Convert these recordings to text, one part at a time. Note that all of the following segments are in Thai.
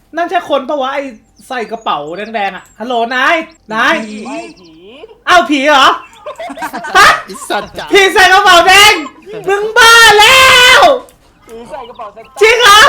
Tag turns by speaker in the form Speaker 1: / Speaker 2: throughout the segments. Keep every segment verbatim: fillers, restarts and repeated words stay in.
Speaker 1: นั่นใช่คนปะวะไอใส่กระเป๋าแดงๆอ่ะฮัลโหลนายนายอ้าวผีเหรอฮะ
Speaker 2: อิสัตว์จ๋า
Speaker 1: ผีใส่กระเป๋าแดงมึงบ้าแล้วผีใส่กระเป๋าจริงเหรอ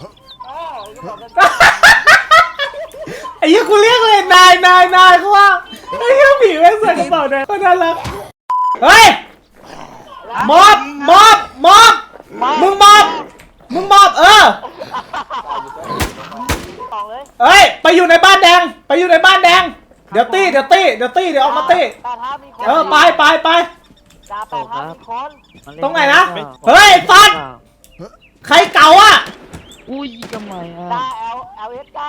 Speaker 1: ไอ้ยี่กูเรียกเลยนายนายนายเขาว่าไอ้ยี่ผีแม่งใส่กระเป๋าแดงก็น่ารักเฮ้ยมอบมอบมอบมึงมอบมึงมอบเออเฮ้ยไปอยู่ในบ้านแดงไปอยู่ในบ้านแดงเดี๋ยวตี้เดี๋ยวตี้เดี๋ยวตี้เดี๋ยวออกมาตี้เออไปไปไปตรงไหนนะเฮ้ยฟัดใครเก่าอ่ะ
Speaker 3: อุ้ยทำไมอ่ะ
Speaker 4: จ้าเอลเอลเอสจ้า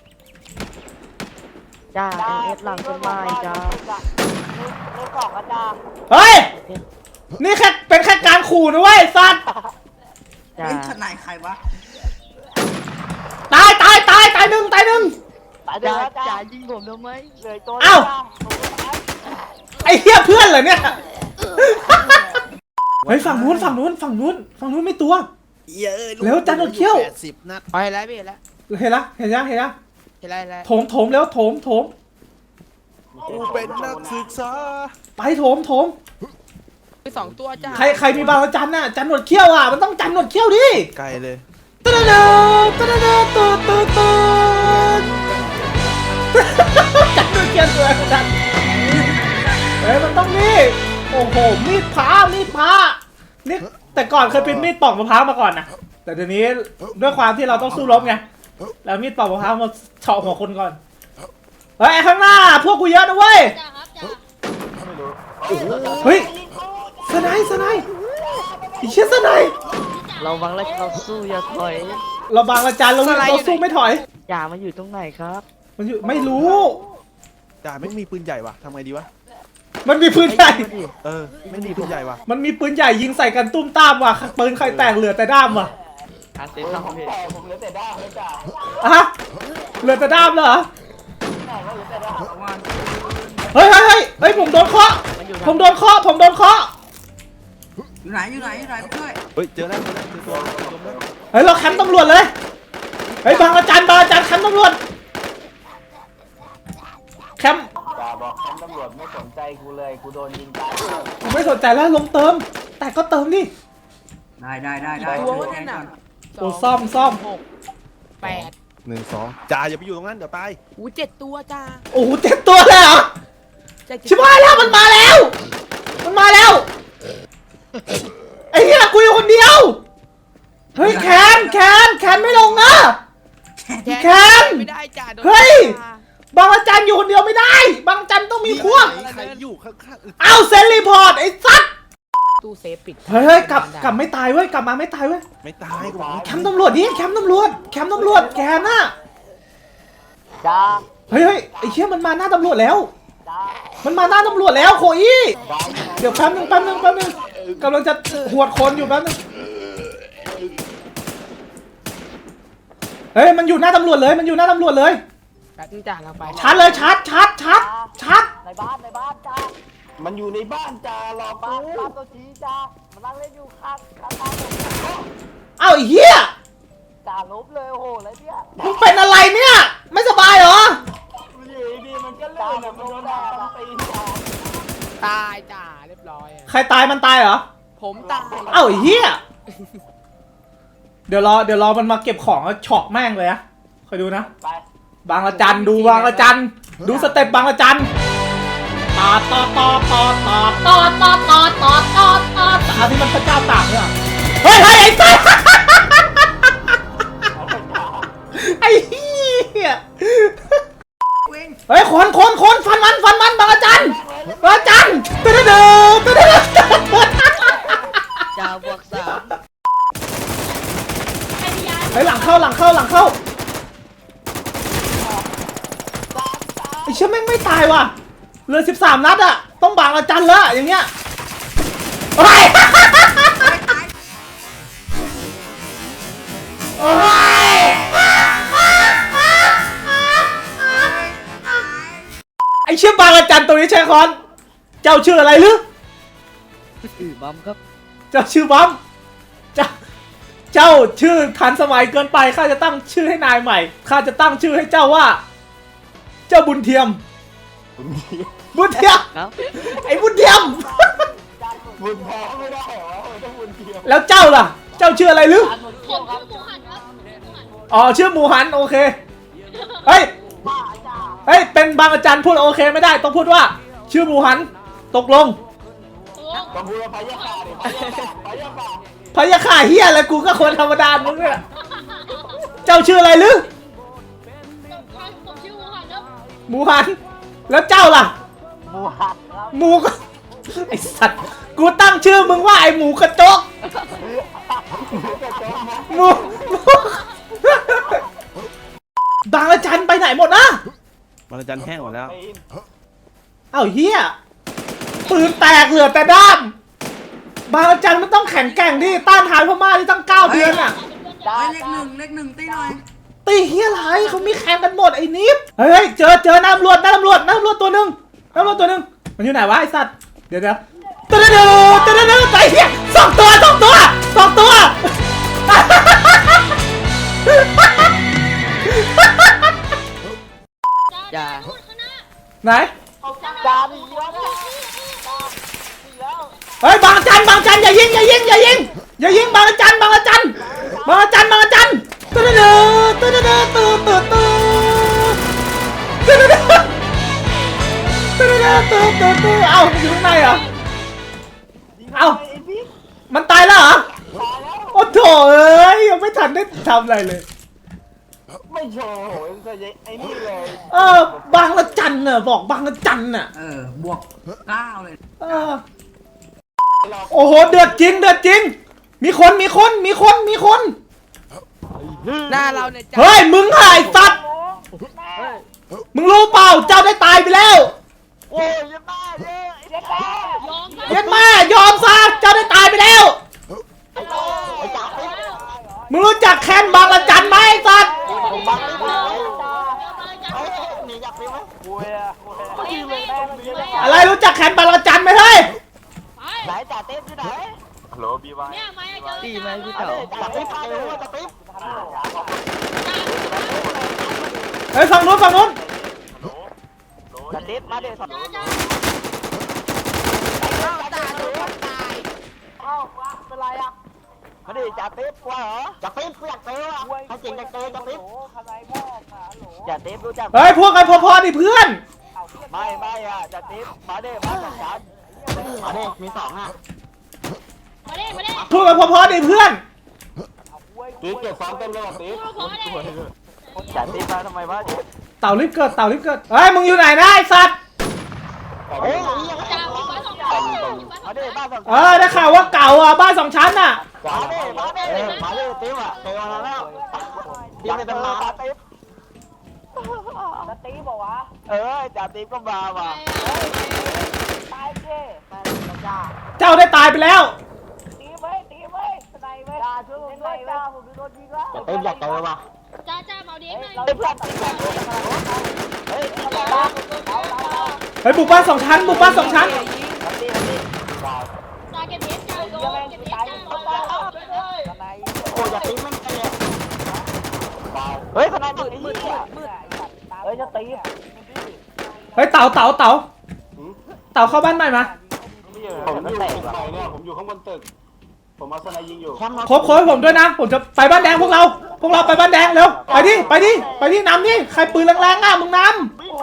Speaker 3: จ้าเอเอสหลังต้นไม้จ้า
Speaker 4: เลขสองจ้า
Speaker 1: เฮ้ยนี่แค่เป็นแค่การขู่นะเว้ยสัตว์
Speaker 3: จ้า
Speaker 5: เฮ้ยทนายใครวะ
Speaker 1: ตายตายตายตายหนึ่งตายหนึ่ง
Speaker 4: ตายเดื
Speaker 3: จ้า
Speaker 4: อดจ้า
Speaker 3: จ้ายิงผมทำไม
Speaker 4: เหลือตัว
Speaker 1: เอ้าไอ้เหี้ยเพื่อนเหรอเนี่ยเฮ้ยฝั่งนู้นฝั่งนู้นฝั่งนู้นฝั่งนู้นไม่ตัว
Speaker 2: เยอะ
Speaker 1: เร็วจันทร์เขี้ยว
Speaker 2: แปดสิบนัด
Speaker 3: ไปแล้วพี่เห็นแล้ว
Speaker 1: เห็นละเห็นยังเห็นยัง
Speaker 3: เห็นแล้วเห็นแล้ว
Speaker 1: โถมโถมแล้วโถมโถม
Speaker 2: กูเป็นนักศึกษา
Speaker 1: ไปโถมโถม
Speaker 3: ไปสองตัวจ้า
Speaker 1: ใครใครมีบางระจันน่ะจันหนวดเขี้ยวอ่ะมันต้องจันหนวดเขี้ยวดิ
Speaker 2: ไกลเลย
Speaker 1: ตะเดาตะเดาตูดตูดตูดจันหนวดเขี้ยวตัวจันเฮ้ยมันต้องนี่โอ้โหมีดพ้ามีดพ้านี่แต่ก่อนเคยเป็นมีดปอกมะพร้าวมาก่อนนะแต่เดี๋ยวนี้ด้วยความที่เราต้องสู้รบไงแล้วมีดปอกมะพร้าวมาเฉาะหัวคนก่อนเฮ้ยข้างหน้าพวกกูเยอะนะเว้ย
Speaker 6: จ้าครับจ้า
Speaker 1: เฮ้ยสไนส์สไนส์ไอ้เชี่ยสไนส์
Speaker 3: เราวังแล้วเราสู้อย่าถอย
Speaker 1: เราบางอาจารย์เราเราสู้ไม่ถอย
Speaker 3: จ่ามันอยู่ตรงไหนครับ
Speaker 1: มันอยู่ไม่รู้
Speaker 2: จ่าไม่มีปืนใหญ่ว่ะทำไงดีวะ
Speaker 1: มันมีปืนใหญ่
Speaker 2: เออ ไม่มีปืนใหญ่ว่ะ
Speaker 1: มันมีปืนใหญ่ยิงใส่กันตุ้มตามว่ะปืนใครแตกเหลือแต่ด้ามว่ะ
Speaker 3: อาเซนต้องพี่
Speaker 4: แต่ผมเหลือแต่ด้ามเลยจ้า
Speaker 1: อะฮะเหลือแต่ด้ามเหรอ
Speaker 4: แต่ก็เหลือแต่ด้าม
Speaker 1: เฮ้ยเฮ้ยเฮ้ยเฮ้ยผมโดนเคาะผมโดนเคาะผมโดนเคาะ
Speaker 5: อยู่ไหนอยู่ไหนอยู่ไหนไปช่วย
Speaker 2: เฮ้ยเจอแล้วเจอแล้วเจอตัวแล้วเจอตัวแล้ว
Speaker 1: เฮ้ยเราแคมป์ตำรวจเลยเฮ้ยบางอาจารย์บางอาจารย์แคมป์ตำรวจแคมป์
Speaker 4: จ่าบอกแคมป์ตำรวจไม่สนใจกูเลยกูโดนยิงตาย
Speaker 1: ผมไม่สนใจแล้วลงเติม แต่ก็เติมดิ
Speaker 5: ได้ได้ได้ได้
Speaker 3: ตัว
Speaker 5: ช่วย
Speaker 3: นั่น
Speaker 5: แท
Speaker 3: น่ะ
Speaker 5: น
Speaker 1: โอ้ซ่อมซ่อม
Speaker 3: หกแปด
Speaker 2: หนึ่งสองจ่าอย่าไปอยู่ตรงนั้นเดี๋ยวตาย
Speaker 3: อู้เจ็ดตัวจ้า
Speaker 1: โอ้โหเจ็บตัวเลยเหรอ
Speaker 3: เจ็ด
Speaker 1: ชิบหายแล้วมันมาแล้ว มันมาแล้วไอ้เหี้ยกูอยู่คนเดียวเฮ้ยแคนแคนแคนไม่ลงนะ แคน
Speaker 3: ไม่ได้จ้าโดน
Speaker 1: เฮ้ย
Speaker 3: จ้า
Speaker 1: บางอาจารย์อยู่คนเดียวไม่ได้ บางอาจารย์ต้องมีพวก
Speaker 2: ใครอยู่ข้างๆอึด
Speaker 1: เอาเซนรีพอร์ตไอ้สัส
Speaker 3: ตู้เซฟปิด
Speaker 1: เฮ้ยเฮ้ยกลับกลับไม่ตายเว้ยกลับมาไม่ตายเว้ย
Speaker 2: ไม่ตายกูบอก
Speaker 1: แคมป์ตำรวจดิแคมป์ตำรวจแคมป์ตำรวจแกน่ะ
Speaker 4: จ้า
Speaker 1: เฮ้ยเฮ้ยไอ้เชี่ยมันมาหน้าตำรวจแล้ว
Speaker 4: จ้า
Speaker 1: มันมาหน้าตำรวจแล้วโคอี้เดี๋ยวแป๊บนึงแป๊บนึงแป๊บนึงกำลังจะหวดคนอยู่แป๊บนึงเฮ้ยมันอยู่หน้าตำรวจเลยมันอยู่หน้าตำรวจเลย
Speaker 3: แป๊บนึงจ้าเราไป
Speaker 1: ชาร์จเลยชาร์จชาร์จชาร์จชาร์จ
Speaker 4: ในบ้านในบ้านจ้ามันอยู่ในบ้านจ้ารอบ้านบ้านตัวชี้จ้ามันนั่งเล่นอยู่ข้างข้างบ้านผม
Speaker 1: เอ้าไอ้เหี้ย
Speaker 4: จ่าลบเลยโอ้โหอะไรเนี่ย
Speaker 1: มึงเป็นอะไรเนี่ยไม่สบายเหรอ
Speaker 4: มันอยู่ดีๆมันก็เลื่อนอะมันโดนด่าต้องตีจ้า
Speaker 3: ตายจ้าเรียบร้อยอะ
Speaker 1: ใครตายมันตายเหรอ
Speaker 3: ผมตาย
Speaker 1: เอ้าไอ้เหี้ยเดี๋ยวรอเดี๋ยวรอมันมาเก็บของแล้วเฉาะแม่งเลยอะคอยดูนะ
Speaker 4: ไป
Speaker 1: บางละจันดูบางละจันดูสเต็ปบางละจันตอดตอดตอดตอดตอดตอดตอดตอดตอดตอดตอดอันนี้มันพระเจ้าตากเนี่ยเฮ้ยเฮ้ยไอ้สัสไอ้เหี้ย
Speaker 5: เว้ง
Speaker 1: เฮ้ยคนคนคนฟันมันฟันมันบางละจันบางละจันตึ๊ดตึ๊ดตึ๊ดตึ๊ด
Speaker 3: จ้าบวกสาม
Speaker 6: ให้พยาน
Speaker 1: เฮ้ยหลังเข้าหลังเข้าหลังเข้าไอ้เชี่ยแม่งไม่ตายว่ะเหลือสิบสามนัดอะต้องบางละจันแล้วอย่างเงี้ยเฮ้ยโอ้ยไอ้เชี่ยบางละจันตัวนี้ใช่คอนเจ้าชื่ออะไรหรือ
Speaker 3: อือบัมครับ
Speaker 1: เจ้าชื่อบัมเจ้าเจ้าชื่อทันสมัยเกินไปข้าจะตั้งชื่อให้นายใหม่ข้าจะตั้งชื่อให้เจ้าว่า เจ้าบุญเทียม บุญเทียม
Speaker 3: เอ้า
Speaker 1: ไอ้บุญเทียม
Speaker 4: บุญพอไม่ได้เหรอต้องบุญเทียม
Speaker 1: แล้วเจ้าล่ะ เจ้าชื่ออะไรหรือ
Speaker 6: ผมชื่อหมูหันครับหมูหัน
Speaker 1: อ๋อชื่อหมูหันโอเคเฮ้ยเฮ้ยเป็นบางอาจารย์พูดโอเคไม่ได้ต้องพูดว่า ชื่อหมูหันตกลง
Speaker 4: ต้องพูดว่าพยาขาดิพยาขาพยาขา
Speaker 1: พยาข่าเฮียอะไรกูก็คนธรรมดามึงเนี่ยเจ้าชื่ออะไรหรือ
Speaker 6: ผมชื่อหมูหันครับ
Speaker 1: หมูหัน แล้วเจ้าล่ะ
Speaker 4: หมูหักครับ
Speaker 1: หมูก็ไอสัตว์กูตั้งชื่อมึงว่าไอหมูกระจกหมูหมูบางอาจารย์ไปไหนหมดนะ
Speaker 2: บางระจันแห้งหมดแล้ว
Speaker 1: เอ้าเฮียปืนแตกเหลือแต่ด้ามบางอาจารย์มันต้องแข็งแกร่งดิต้านทานพม่าที่ตั้งเก้าเดือนอ่ะ
Speaker 5: เฮ้ยเลขหนึ่งเลขหนึ่งตีหน่อย
Speaker 1: ตีเฮียอะไรเขามีแข่งกันหมดไอ้นิฟเฮ้ยเจอเจอน้ำรวจน้ำรวจน้ำรวจตัวหนึ่งน้ำรวจตัวหนึ่งมันอยู่ไหนวะไอ้สัตว์เดี๋ยวเดี๋ยวตัวเดียวตัวเดียวไอ้เหี้ยสองตัวสองตัวสองตัว
Speaker 3: จ้า
Speaker 6: พูดข้างหน้า
Speaker 1: ไหน
Speaker 4: จานอีกแล้วเนี่ย
Speaker 1: เฮ้ยบางจันบางจันอย่ายิงอย่ายิงอย่ายิงอย่ายิงบางจันบางจันบางจันบางจันตัวเดียวตัวเดียวตัวตัวตัวตัวเดียวตัวเดียวตัวตัวตัวเอ้าอยู่ข้างในเหรอเอ้ามันตายแล้วเหรอโอ้โถเอ้ยยังไม่ทันได้ทำอะไรเลย
Speaker 4: ไม่โชว์โหยจะไอ้นี่เลย
Speaker 1: เออบางละจันน่ะบอกบางละจันน่ะ
Speaker 5: เออบวกเก้าเลย
Speaker 1: เออโอ้โหเดือดจริงเดือดจริง มีคนมีคนมีคนมีคน
Speaker 3: หน้าเราเนี่ยจ้า
Speaker 1: เฮ้ยมึงหายสัตว์มึงรู้เปล่าเจ้าได้ตายไปแล้ว
Speaker 4: โอ้ยยังบ้าเลยไอ้เด็กแก่
Speaker 6: ยอมครับ
Speaker 1: เย็ดแม่ยอมซะเจ้าได้ตายไปแล้ว
Speaker 4: ไอ้โตไอ้จ๋าไอ้
Speaker 1: มึงรู้จักแคนบางละจันไหมไอ้สัตว์
Speaker 4: ผมบังไม่ได้ไอ้จ๋า
Speaker 6: เฮ้
Speaker 4: เฮ้ยหนีอยากไปไหมโอ้ยอะโอ้ย
Speaker 6: ยแม่แม่
Speaker 1: อะไรรู้จักแคนบางละจันไหมเฮ้ย
Speaker 4: ไหนจ่าเต้ที่ไหนฮัลโหลบีวาย
Speaker 6: เนี่ยไม่เจอ
Speaker 3: ตีไหมพี่เต๋อ
Speaker 4: จ่าติ๊บพาไปด้วยจ่าติ๊บ
Speaker 1: เฮ้ยฝั่งนู้นฝั่งนู้น
Speaker 4: จ่าติ๊บมาเดี๋ยวสับ
Speaker 6: จ้าจ้า
Speaker 4: จ่าติ๊บตายเอ้าเป็นไรอะมาดิจ่าติ๊บกลัวเหรอจ่าติ๊บกูอยากเจอว่ะให้จริงอยากเจอจ่าติ๊บจ่าติ๊บรู้จัก
Speaker 1: เฮ้ยพวกกันพอๆดิเพื่อน
Speaker 4: ไม่ไม่อะจ่าติ๊บมาเด้มาสองชั้นมาเด้มีสองอะ
Speaker 6: มาเด้มาเด้
Speaker 1: พวกกันพอๆดิเพื่อน
Speaker 4: ติ๊บเก็บสองเต็มเลยติ๊บ
Speaker 6: พูดพอเด้
Speaker 4: จ่าติ๊บมาทำไมวะ
Speaker 1: เต่ารีบเกิดเต่ารีบเกิดเฮ้ยมึงอยู่ไหนนะไอ้สัตว์
Speaker 4: เฮ้ย
Speaker 6: จ้าผมมาสองคนผมมาสอ
Speaker 4: มาง เด้
Speaker 6: คน
Speaker 4: บ้านสอง
Speaker 1: เออได้ข่าวว่าเก่าอ่ะบ้านสองชั้นน่ะ
Speaker 4: มาเด้มาเด้มาเด้ติ๊บอะเจอมาแล้วติ๊บไม่ต้องมาติ๊บจ่าติ๊บบอกว่าเออจ่าติ๊บก็มาว่ะตายเจ้ตายจ้า
Speaker 1: เจ้าได้ตายไปแล้ว
Speaker 4: ตีไว้ตีไว้สไนไว้จ้าช่วยผมด้วยจ้าผมโดนยิงแล้วเต็มอยากเจอว่ะ
Speaker 6: จ้าจ้าเมาดีหน่อย
Speaker 4: เต็มอยากเจอเฮ้ยตีจ้าเอาเอาเอา
Speaker 1: เฮ้ยบุกบ้านสองชั้นบุกบ้านสองชั้น
Speaker 4: ตีตีจ้า
Speaker 6: จ้าเก็บเอสจ้าโดนเก็บเอสจ้าโดน
Speaker 4: โอ้ยอยากตีมันไปเลยเฮ้ยสไนมืดมืดมืดเฮ้ยจะตี
Speaker 1: เฮ้ยเต่าเต่าเต่าเต่าเข้าบ้านใหม่มา
Speaker 4: ผมอยู่ตึกใหม่เนี่ยผมอยู่ข้างบนตึกผมเอาสไนยิงอยู่
Speaker 1: ครบครบให้ผมด้วยนะ ผมจะไปบ้านแดงพวกเรา พวกเราไปบ้านแดงเร็ว ไปดิ ไปดิ ไปดินำดิ ใครปืนแรงๆอ่ะมึงน
Speaker 4: ตา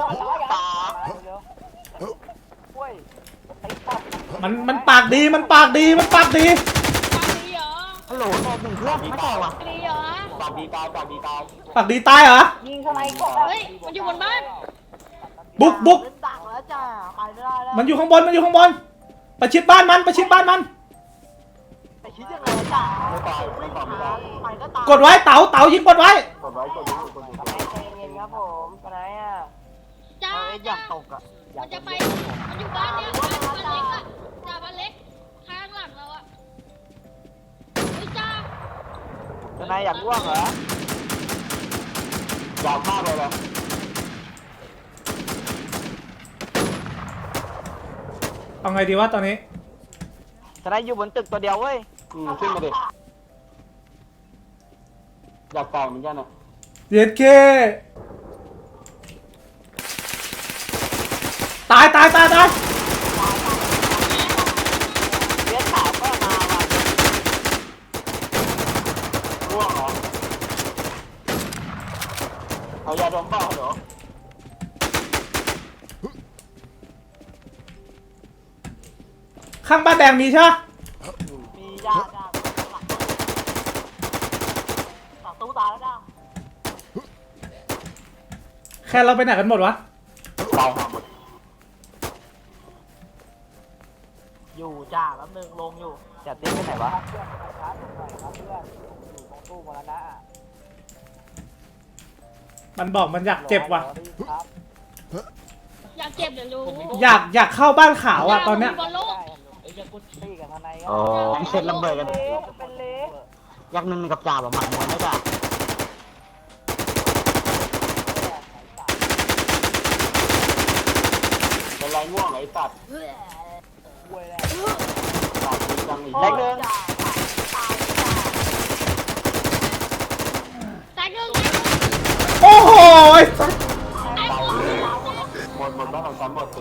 Speaker 1: ำมันมันปากดี มันปากดี มันปากดี
Speaker 6: ดีเหรอ
Speaker 4: ฮัลโหลตอบหนึ่งเพื่อนไม่ตอบว่ะ
Speaker 6: ดีเหรอ
Speaker 4: ปากดีตายปากดีตาย
Speaker 1: ปากดีตายเหรอ
Speaker 6: เฮ้ยมันอยู่บนบ้าน
Speaker 1: บุกบุก
Speaker 4: ดังแล้วจ้าไปไม่ได้แล้ว
Speaker 1: มันอยู่ข้างบน มันอยู่ข้างบน ประชิดบ้านมัน ประชิดบ้านมัน
Speaker 4: ไปคิดยังไงจ้าไม่ตายไม่ตอบไม่ได้ไปก็ตาย
Speaker 1: กดไว้ เต่าเต่ายิงกดไว้
Speaker 4: กดไว้กดไว้กดไว้ใจเย็นครับผมไปไหนอ่ะ
Speaker 6: จ้า
Speaker 4: อยา
Speaker 6: จ้าก
Speaker 4: ตกอ่ะ
Speaker 6: มันจะไปมันอยู่บ้านเนี้ยบ้านบ้านเล็กอะจ้าบ้านเล็กข้างหลังเราอะเฮ้ยจ้า
Speaker 4: จะนายอยากร่วงเหรออยากมากเลยเหรอ
Speaker 1: เอาไงดีวะตอนนี้
Speaker 4: จะนายอยู่บนตึกตัวเดียวเว้ยอืมขึ้นมาดิอยากแตกเหมือนกันอ่ะ
Speaker 1: เย็ดเคตายตายตายตาย
Speaker 4: เลี้ยงขาวก็มาว่ะร่วงเหรอเอายาดมเปล่าเหรอ
Speaker 1: ข้างบ้านแดงมีใช่ปะ
Speaker 4: มียาจ้าหลังหลังตู้ตายแล้วจ้า
Speaker 1: แค่เราไปไหนกันหมดวะ
Speaker 4: ตายหาหมดอยู่จ้าแป๊บนึงลงอยู่จัดเต้นไปไหนวะ
Speaker 1: มันบอกมันอยากเจ็บว่ะ
Speaker 6: อยากเจ็บเดี๋ยวรู้
Speaker 1: อยากอยากเข้าบ้านขาวอ่ะตอนเนี้ย
Speaker 6: บอลโลก
Speaker 4: อ๋อเสร็จระเบิดกันยักษ์นึงกับจ่าแบบหมักหมดไม่จ่าเป็นไรง่วงไอ้สัตว์ตัดจริงจังอีกเล็กนึง
Speaker 6: แตกหนึ่ง
Speaker 1: โอ้โหไอ้สัส
Speaker 6: แตกหนึ่ง
Speaker 4: หมดหมดบ้านของฉันหมดสิ